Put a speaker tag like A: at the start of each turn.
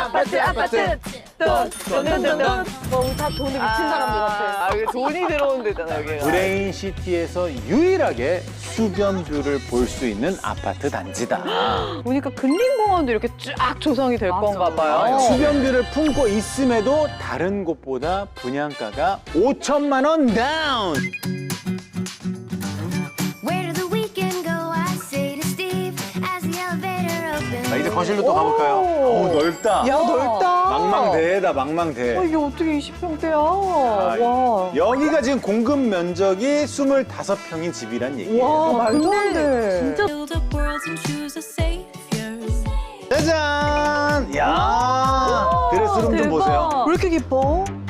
A: 아파트. 돈. 다 돈에 미친 사람들 같아.
B: 아, 이게 돈이 들어온 데잖아, 여기가.
C: 브레인시티에서 유일하게 수변뷰를 볼 수 있는 아파트 단지다.
B: 보니까 근린공원도 이렇게 쫙 조성이 될 건가 봐요.
C: 수변뷰를 품고 있음에도 다른 곳보다 분양가가 5천만 원 다운.
D: Where did the weekend go? I say to Steve as the elevator opens.
C: 자, 이제 거실로 또 가볼까요? 오, 넓다.
B: 야, 넓다.
C: 망망대해다, 망망대.
B: 이게 어떻게 20평대야?
C: 아,
B: 와.
C: 여기가 지금 공급 면적이 25평인 집이란 얘기예요.
B: 와, 말도 안 돼.
A: 진짜
D: Build up worlds and choose a savior.
C: 짜잔! 야, 드레스룸 좀 보세요.
B: 왜 이렇게 깊어?